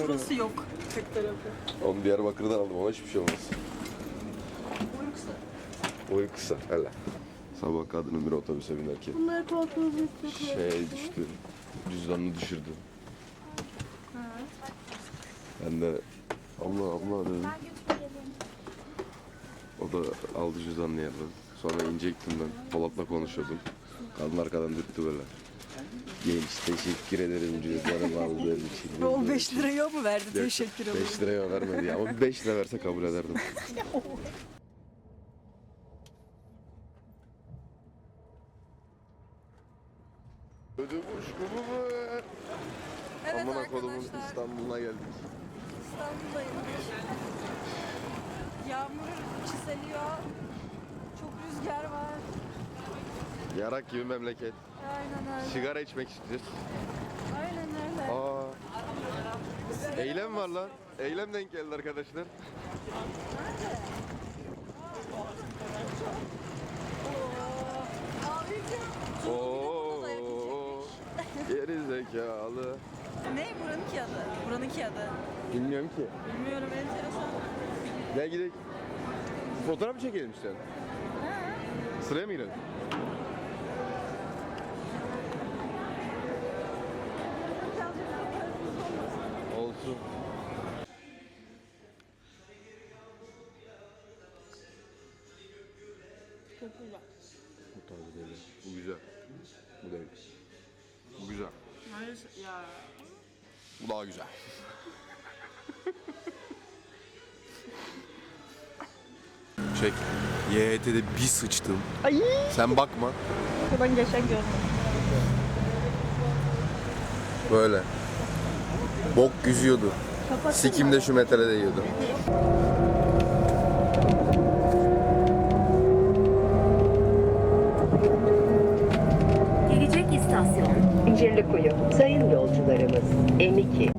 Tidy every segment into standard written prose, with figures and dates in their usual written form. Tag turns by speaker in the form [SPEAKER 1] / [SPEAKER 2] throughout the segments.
[SPEAKER 1] Şurası yok. Tek tarafı.
[SPEAKER 2] Onu Diyarbakır'dan aldım ama hiçbir şey olmaz.
[SPEAKER 1] Boyu kısa.
[SPEAKER 2] Boyu kısa hele. Sabah kadının bir otobüse binerken
[SPEAKER 1] Bunları korkunuz
[SPEAKER 2] düştü. Cüzdanını düşürdü. Ben de abla dedim. O da aldı cüzdanını yerden. Sonra inecektim ben. Polat'la konuşuyordum. Kadın arkadan dürttü böyle. Genç teşekkür ederim cüzdanımı aldığın için.
[SPEAKER 1] O 5 liraya mı verdi? Teşekkür ederim.
[SPEAKER 2] 5 liraya vermedi ya. Ama 5 lira verse kabul ederdim. Ödüm uçkumu mu?
[SPEAKER 1] Evet
[SPEAKER 2] Amına kodumun
[SPEAKER 1] arkadaşlar,
[SPEAKER 2] İstanbul'una geldik.
[SPEAKER 1] İstanbul'dayım. Yağmur çiseliyor. Çok rüzgar var.
[SPEAKER 2] Yarak gibi memleket.
[SPEAKER 1] Aynen öyle.
[SPEAKER 2] Sigara içmek istiyoruz.
[SPEAKER 1] Aynen öyle.
[SPEAKER 2] Eylem var lan. Eylem denk geldi arkadaşlar. Oo, geri zekalı.
[SPEAKER 1] Ne buranınki adı? Buranınki adı.
[SPEAKER 2] Bilmiyorum ki.
[SPEAKER 1] Bilmiyorum, enteresan.
[SPEAKER 2] Gel gidelim. Fotoğraf mı çekelim işte? Sıraya mı girelim? Olsun.
[SPEAKER 1] Çok güzel.
[SPEAKER 2] Bu tarzı değil. Bu güzel. Bu değil. Bu güzel.
[SPEAKER 1] Hayır ya.
[SPEAKER 2] Bu daha güzel. Çek. YHT'de bir sıçtım.
[SPEAKER 1] Ay.
[SPEAKER 2] Sen bakma.
[SPEAKER 1] Ben geçen gördüm.
[SPEAKER 2] Böyle. Bok yüzüyordu. Sikim de şu metale değiyordu.
[SPEAKER 3] Gelecek istasyon İncirlikuyu. Sayın yolcularımız M2.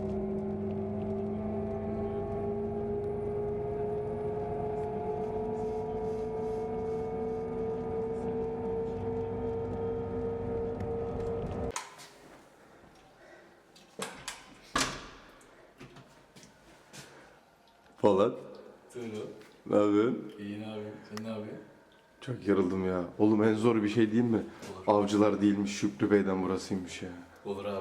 [SPEAKER 2] Polat.
[SPEAKER 4] Turu.
[SPEAKER 2] Ne yapıyorsun?
[SPEAKER 4] İyi abi. Sen ne yapıyorsun?
[SPEAKER 2] Çok yarıldım ya. Oğlum en zor bir şey değil mi? Avcılar değilmiş, Şükrü Bey'den burasıymış ya.
[SPEAKER 4] Olur abi.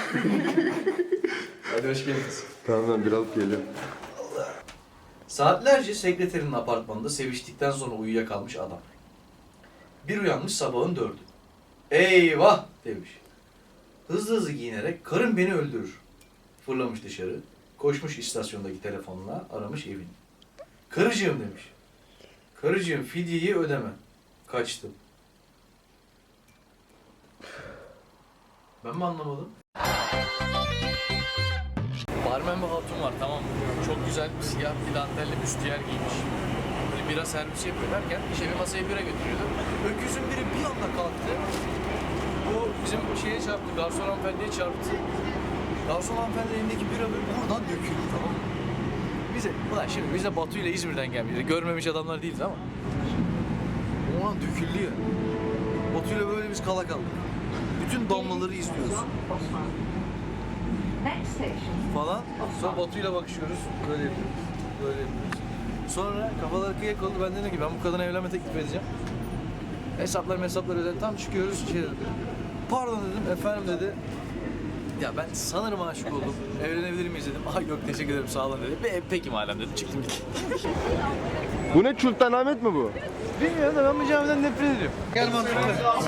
[SPEAKER 4] Hadi hoş geldiniz.
[SPEAKER 2] Tamam ben bir alıp geliyorum.
[SPEAKER 4] Saatlerce sekreterinin apartmanında seviştikten sonra uyuyakalmış adam. Bir uyanmış sabahın 4'ü. Eyvah demiş. Hızlı hızlı giyinerek karım beni öldürür. Fırlamış dışarı. Koşmuş istasyondaki telefonla aramış evini. Karıcığım demiş. Karıcığım fidyeyi ödeme. Kaçtım. Ben mi anlamadım? Barmen bir hatun var, tamam mı? Çok güzel siyah bir dantelli büstiyer giymiş. Böyle bira servisi yapıyor derken işe bir masaya bira götürüyordu. Öküzün biri bir anda kalktı. O bizim şeye çarptı, garson hanımefendiye çarptı. Garson hanımefendi elindeki bira böyle buradan döküldü, tamam mı? Biz de Batu ile İzmir'den gelmişiz. Görmemiş adamlar değiliz ama. O an döküldü ya. Batu ile böyle biz kala kaldık. Bütün damlaları izliyoruz. Falan. Sonra Batu'yla bakışıyoruz. Böyle yapıyoruz. Böyle yapıyoruz. Sonra kafaları kıyak oldu. Ben dedim ki ben bu kadına evlenme teklif edeceğim. Hesaplar ödedim. Tam çıkıyoruz. Şey dedi. Pardon dedim. Efendim dedi. Ya ben sanırım aşık oldum. Evlenebilir miyiz dedim. Ay yok teşekkür ederim sağ olun dedi. Peki madem dedim. Çıktım gittim.
[SPEAKER 2] Bu ne Sultanahmet mi bu?
[SPEAKER 4] Bilmiyorum da ben bu camiden nefret ediyorum. Gel mantıklı.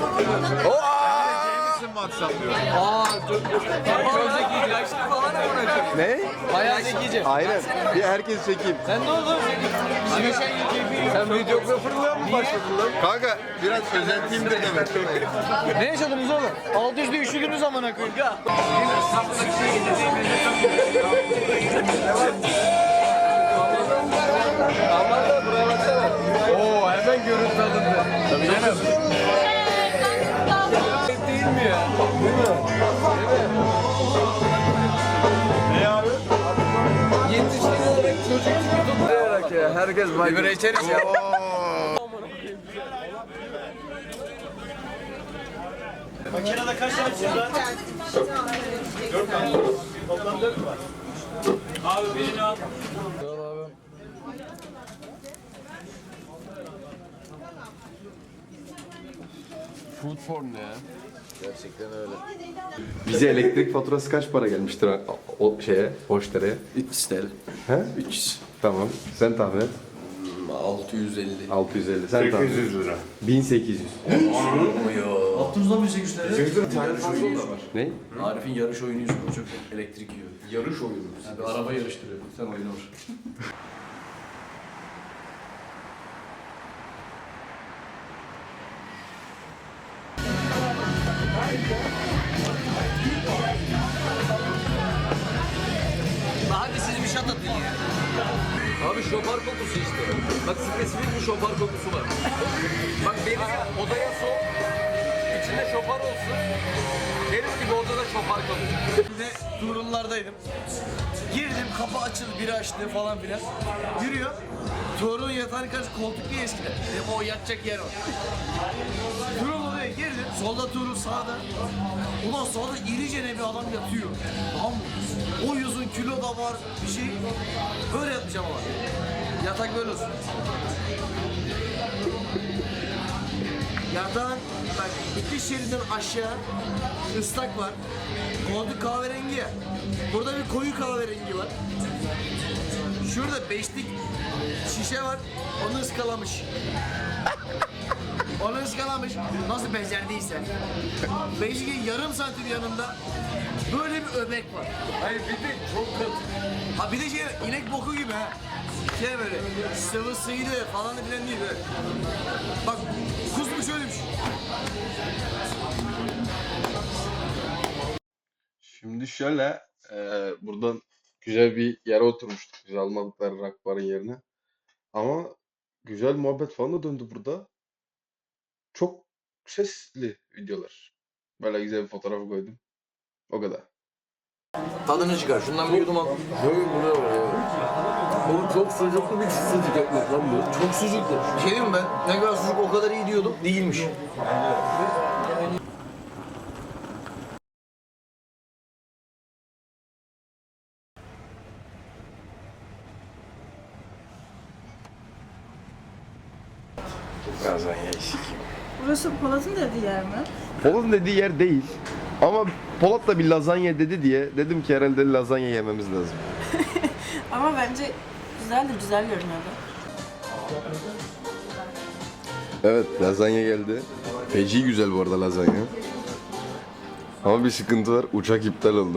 [SPEAKER 4] Çok zekice. Yaşlı falan mı?
[SPEAKER 2] Ne?
[SPEAKER 4] Bayağı zekice.
[SPEAKER 2] Aynen. Bir herkes çekeyim.
[SPEAKER 4] Sen ne oldu? Sen videografırlığa mı başladın lan?
[SPEAKER 2] Kanka biraz özentiyimdir demek.
[SPEAKER 4] Ne yaşadınız oğlum? Alt üstte üşüdünüz amına koyayım. Aman da buraya baksana. Oo hemen görüntü alındı. Tabii canım. Değil mi ya? Değil mi? Ne abi? Yetiştirilerek çocuk tutularak ya. Herkes baygın. Biberi içeriz ya.
[SPEAKER 5] Makinede kaç tane çiz var? 4 tane. Toplam 4 mü var?
[SPEAKER 4] Abi birini al.
[SPEAKER 2] Food porn ne ya? Gerçekten öyle.
[SPEAKER 5] Bize elektrik faturası kaç para gelmiştir o şeye, Hoşdere'ye?
[SPEAKER 2] 300 TL.
[SPEAKER 5] He?
[SPEAKER 2] 300.
[SPEAKER 5] Tamam. Sen tahmin et.
[SPEAKER 2] 650.
[SPEAKER 5] 650. Sen tahmin et.
[SPEAKER 6] 800 lira.
[SPEAKER 5] 1800.
[SPEAKER 4] Abdurrahman 1800 lira.
[SPEAKER 5] Bir tane fazla da var. Ne?
[SPEAKER 4] Arif'in yarış oyunu yüzünden çok elektrik yiyor.
[SPEAKER 5] Yarış oyunu.
[SPEAKER 4] Yani bir araba yarıştırıyor. Sen oyunu vur. Hadi siz bir şat atın ya. Abi şopar kokusu işte. Bak spesifik bir şopar kokusu var. Bak benim odaya sok. İçinde şopar olsun. Deniz gibi odada şopar kokusu. Bir de Tuğrullardaydım. Girdim kapı açıldı biri açtı falan filan. Yürüyor. Tuğrul'un yatağına karşı koltuk değil eskiden. Dedim o yatacak yer o. Tuğrul oraya girdim. Solda Tuğrul sağda. Ulan sağda irice bir adam yatıyor. Tamam mı? O yüzün kilo da var bir şey. Böyle yatmayacağım ama. Yatak böyle olsun. Yatağın bak iki şeriden aşağı ıslak var. Koltuk kahverengi ya. Burada bir koyu kahverengi var. Şurada beşlik şişe var. Onu ıskalamış. Onu ıskalamış. Nasıl becerdiyse. Beşliğin yarım santim yanında böyle bir öbek var. Hayır bir de çok kıl. Ha bir de şey inek boku gibi ha. Şey böyle sıvısıydı falan filan değil böyle. Bak kusmuş ölmüş.
[SPEAKER 5] Şimdi şöyle, buradan güzel bir yere oturmuştuk. Biz almadıkları rakbarın yerine. Ama güzel muhabbet falan da döndü burada. Çok sesli videolar. Böyle güzel bir fotoğrafı koydum. O kadar.
[SPEAKER 4] Tadını çıkar. Şundan bir yudum al.
[SPEAKER 2] Oğlum çok sucuklu bir sucuk ekmek lan bu.
[SPEAKER 4] Çok sucuklu. Bir şey diyeyim mi ben? Ne kadar sucuk o kadar iyi diyordum. Değilmiş.
[SPEAKER 5] Lazanya eksik.
[SPEAKER 1] Burası Polat'ın dediği yer mi?
[SPEAKER 5] Polat'ın dediği yer değil. Ama Polat da bir lazanya dedi diye dedim ki herhalde lazanya yememiz lazım.
[SPEAKER 1] Ama bence güzel görünüyordu.
[SPEAKER 5] Evet, lazanya geldi. Feci güzel bu arada lazanya. Ama bir sıkıntı var, uçak iptal oldu.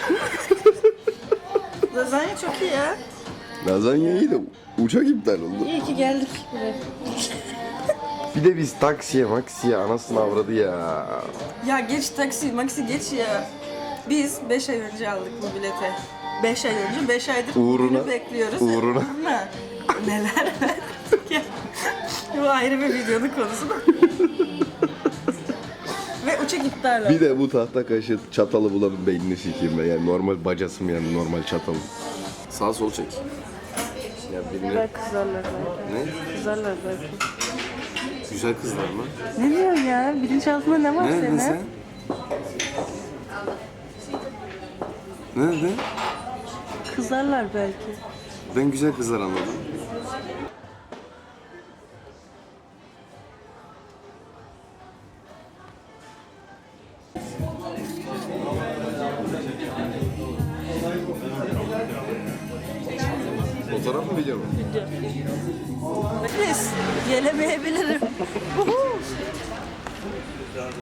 [SPEAKER 1] Lazanya çok iyi ya.
[SPEAKER 5] Lazanya iyi de uçak iptal oldu.
[SPEAKER 1] İyi ki geldik buraya.
[SPEAKER 5] Bir de biz maksiye anasını avradı ya.
[SPEAKER 1] Ya geç taksi, maxi geç ya. Biz 5 ay önce aldık bu bileti. 5 ay önce, 5 aydır
[SPEAKER 5] Uğruna-
[SPEAKER 1] bunu bekliyoruz.
[SPEAKER 5] uğruna.
[SPEAKER 1] Neler verdik ya. Bu ayrı bir videonun konusu da. Ve uçak iptal oldu.
[SPEAKER 5] Bir de bu tahta kaşığı çatalı bulanın beynini sikeyim ben. Yani normal bacasım yani normal çatalı. Sağ sol çek. Ya birini...
[SPEAKER 1] Kızarlar belki.
[SPEAKER 5] Ne?
[SPEAKER 1] Kızarlar belki.
[SPEAKER 5] Güzel kızlar mı?
[SPEAKER 1] Ne diyorsun ya? Bilinçaltında ne var senin?
[SPEAKER 5] Nerede?
[SPEAKER 1] Kızarlar belki.
[SPEAKER 5] Ben güzel kızlar anladım. Fotoğraf mı video mu?
[SPEAKER 1] Nefes. Gelemeyebilirim.